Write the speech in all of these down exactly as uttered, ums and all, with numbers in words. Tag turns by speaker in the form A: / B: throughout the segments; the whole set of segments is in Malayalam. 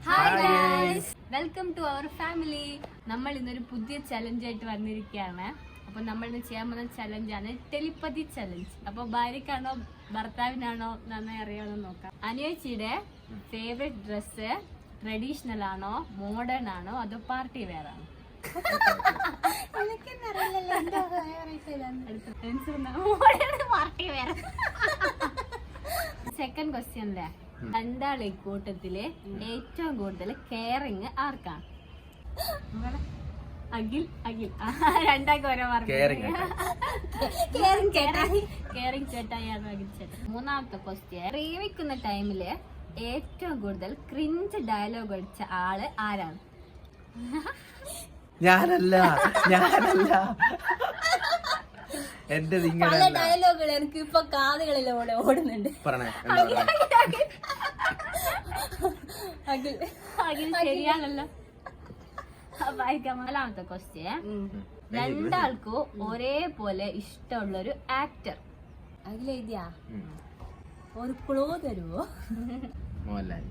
A: Hi guys, welcome to our family. നമ്മൾ ഇന്നൊരു പുതിയ ചലഞ്ച് ആയിട്ട് വന്നിരിക്കുകയാണ്. അപ്പൊ നമ്മൾ ഇന്ന് ചെയ്യാൻ പോകുന്ന ചലഞ്ചാണ് ടെലിപ്പതി ചലഞ്ച്. അപ്പൊ ഭാര്യക്കാണോ ഭർത്താവിനാണോ നന്നായി അറിയാമെന്ന് നോക്കാം. അനുയോജിയുടെ ഫേവറേറ്റ് ഡ്രസ്സ് ട്രഡീഷണൽ ആണോ, മോഡേൺ ആണോ, അതോ പാർട്ടി വെയർ ആണോ? സെക്കൻഡ് ക്വസ്റ്റ്യനിലെ രണ്ടാളെ കൂട്ടത്തില് ഏറ്റവും കൂടുതൽ കെയറിങ് ആർക്കാണ്? അഖിൽ അഖിൽ രണ്ടാൾക്ക് ഓരോ മാർക്ക്. കെയറിങ് ചേട്ടായാണ് അഖിൽ ചേട്ടൻ. മൂന്നാമത്തെ ക്വസ്റ്റ്യൻ, പ്രേമിക്കുന്ന ടൈമില് ഏറ്റവും കൂടുതൽ ക്രിഞ്ച് ഡയലോഗ് അടിച്ച ആള് ആരാണ്?
B: ഞാനല്ല ഞാനല്ല എന്റെ
A: പല ഡയലോഗുകൾ എനിക്ക് ഇപ്പൊ കാതുകളിലൂടെ ഓടുന്നുണ്ട്. ശരിയാണല്ലോ. നാലാമത്തെ ക്വസ്റ്റ്യൻ, രണ്ടാൾക്കും ഒരേപോലെ ഇഷ്ടമുള്ള ഒരു ആക്ടർ. അതിലെഴുതിയാ ഒരു ക്ലൂ തരുമോ?
B: മോഹൻലാൽ.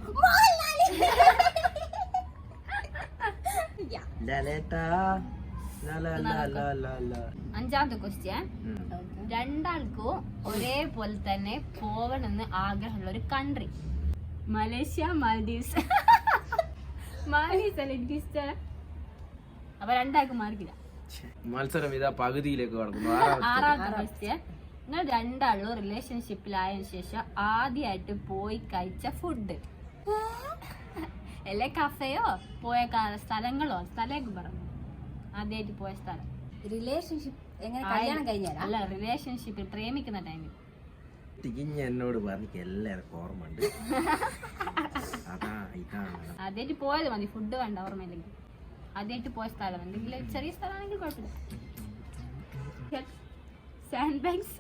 A: അഞ്ചാമത്തെ ക്വസ്റ്റ്യൻ, രണ്ടാൾക്കും ഒരേപോലെ തന്നെ പോകണമെന്ന് ആഗ്രഹമുള്ള ഒരു കൺട്രി. Malaysia, Maldives. മാൽഡീവ്സ് അല്ല എനിക്ക് ഇഷ്ടം. അപ്പൊ രണ്ടാൾക്കും മാർക്കില്ല.
B: മത്സരം ഇതാ പകുതിയിലേക്ക് കടക്കുന്നു.
A: ആറാമത്തെ ക്വസ്റ്റ്യൻ, നിങ്ങൾ രണ്ടാളും റിലേഷൻഷിപ്പിലായതിനു ശേഷം ആദ്യമായിട്ട് പോയി കഴിച്ച ഫുഡ്. അല്ലെ കഫയോ പോയ സ്ഥലങ്ങളോ സ്ഥലമൊക്കെ പറഞ്ഞു. ആദ്യമായിട്ട് പോയ സ്ഥലം. റിലേഷൻഷിപ്പ് എങ്ങനെ കല്യാണം കഴിഞ്ഞാൽ അല്ല, റിലേഷൻഷിപ്പിൽ പ്രേമിക്കുന്ന ടൈമിൽ.
B: എന്നോട് പറഞ്ഞ എല്ലാവർക്കും ഓർമ്മയുണ്ട്.
A: ആദ്യമായിട്ട് പോയത് മതി, ഫുഡ് വേണ്ട ഓർമ്മയില്ലെങ്കിൽ. ആദ്യമായിട്ട് പോയ സ്ഥലം എന്തെങ്കിലും ചെറിയ സ്ഥലമാണെങ്കിൽ കുഴപ്പമില്ല. Sand bags.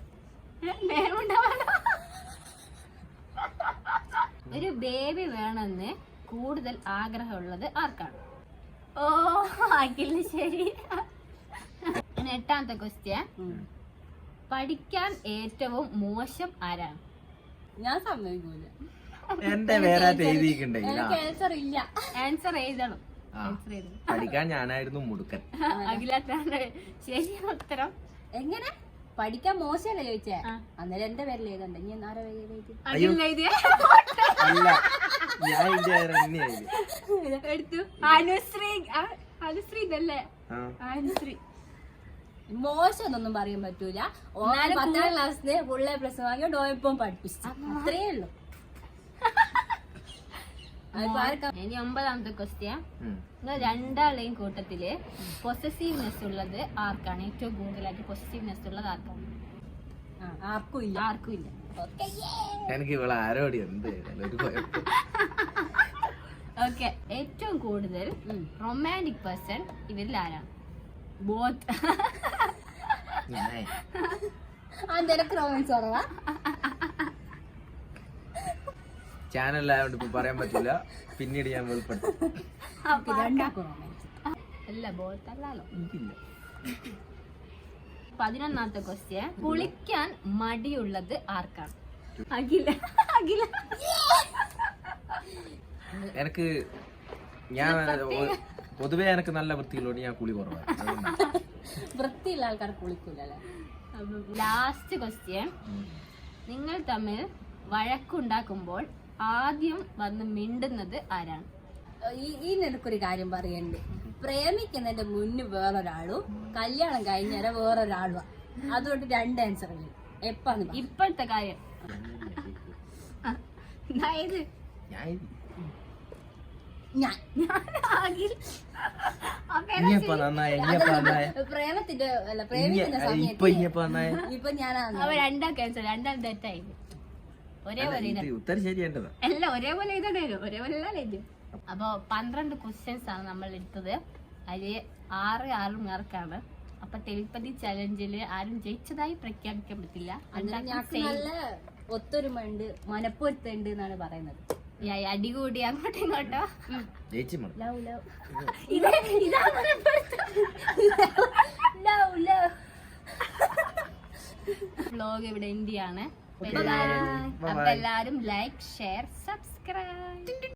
A: ഒരു ബേബി വേണമെന്ന് കൂടുതൽ ആഗ്രഹമുള്ളത് ആർക്കാണ്? ഓ അഖിലിന്. ശരി. എട്ടാമത്തെ ക്വസ്റ്റ്യൻ, പഠിക്കാൻ ഏറ്റവും മോശം ആരാണ്? ഞാൻ സമ്മതിക്കൂല. ആൻസർ ഇല്ല. ആൻസർ എഴുതണം.
B: പഠിക്കാൻ ഞാനായിരുന്നു മുടുക്കൻ.
A: അഖിലാണ് ശരി ഉത്തരം. എങ്ങനെ പഠിക്കാൻ മോശമല്ലേ ചോദിച്ചേ? അന്നേരം എന്റെ പേരിൽ എഴുതണ്ട. ഇനി ആരാ എടുത്തു? അനുശ്രീ. അനുശ്രീ ഇതല്ലേ? അനുശ്രീ. മോശം എന്നൊന്നും പറയാൻ പറ്റൂല. പത്താം ക്ലാസ്സിന് ഫുൾ എ പ്ലസ് വാങ്ങിയോ ഡോയപ്പം പഠിപ്പിച്ചു. അത്രേ ഉള്ളൂ. ഇനി ഒമ്പതാമത്തെ ക്വസ്റ്റ്യൻ, നിങ്ങൾ രണ്ടാളെയും കൂട്ടത്തില് പൊസസീവ്നെസ് ഉള്ളത് ആർക്കാണ്? ഏറ്റവും കൂടുതലായിട്ട് പൊസസീവ്നെസ് ഉള്ളത് ആർക്കാണ്? ആർക്കും ഇല്ല. ആർക്കും ഇല്ല.
B: എനിക്ക് ഇവിടെ ആരോടി എന്ത്.
A: ഓക്കെ, ഏറ്റവും കൂടുതൽ റൊമാൻറ്റിക് പേഴ്സൺ ഇവരിൽ ആരാണ്? ബോത്ത്. അതെനിക്ക് റൊമാൻസ് കുറവാ.
B: ചാനലായോണ്ട് ഇപ്പൊ പറയാൻ പറ്റില്ല, പിന്നീട് ഞാൻ വെളിപ്പെടുത്തും.
A: അല്ല ബോത്ത് അല്ലല്ലോ. പതിനൊന്നാമത്തെ ക്വസ്റ്റ്യൻ, കുളിക്കാൻ മടിയുള്ളത് ആർക്കാണ്? അഖില. അഖില.
B: എനിക്ക് ഞാൻ പൊതുവെ എനിക്ക് നല്ല വൃത്തിയുള്ളതുകൊണ്ട് ഞാൻ കുളി കുറവാണ്.
A: വൃത്തിയുള്ള ആൾക്കാർ കുളിക്കൂലല്ലേ. ലാസ്റ്റ് ക്വസ്റ്റ്യൻ, നിങ്ങൾ തമ്മിൽ വഴക്കുണ്ടാക്കുമ്പോൾ ആദ്യം വന്ന് മിണ്ടുന്നത് ആരാണ്? ഈ നിനക്കൊരു കാര്യം പറയണ്ട്. പ്രേമിക്കുന്നതിന്റെ മുന്നിൽ വേറൊരാളും കല്യാണം കഴിഞ്ഞാൽ വേറൊരാളും. അതുകൊണ്ട് രണ്ട് ആൻസർ എപ്പാണ് ഇപ്പോഴത്തെ കാര്യം. അതായത് പ്രേമത്തിന്റെ അല്ല പ്രേമിക്കുന്ന സമയത്ത് ഇപ്പൊ ഞാനാണ് രണ്ടാം ക്യാൻസർ. രണ്ടാം തെറ്റായി. ഒരേപോലെ അല്ല, ഒരേപോലെ എഴുതണേലോ. ഒരേപോലെ എഴുതും. അപ്പൊ പന്ത്രണ്ട് ക്വസ്റ്റ്യൻസ് ആണ് നമ്മൾ എടുത്തത്. അതില് ആറ് ആറ് മാർക്കാണ്. അപ്പൊ ടെലിപ്പതി ചലഞ്ചില് ആരും ജയിച്ചതായി പ്രഖ്യാപിക്കാൻ പറ്റില്ല. നല്ല ഒത്തൊരുമ ഉണ്ട്, മനപ്പൊരുത്തുണ്ട് എന്നാണ് പറയുന്നത്. അടികൂടി അങ്ങോട്ടും ഇങ്ങോട്ടോ. വ്ലോഗ് ഇവിടെ ഇന്ത്യയാണ്. അപ്പൊ എല്ലാരും ലൈക്ക്, ഷെയർ, സബ്സ്ക്രൈബ്.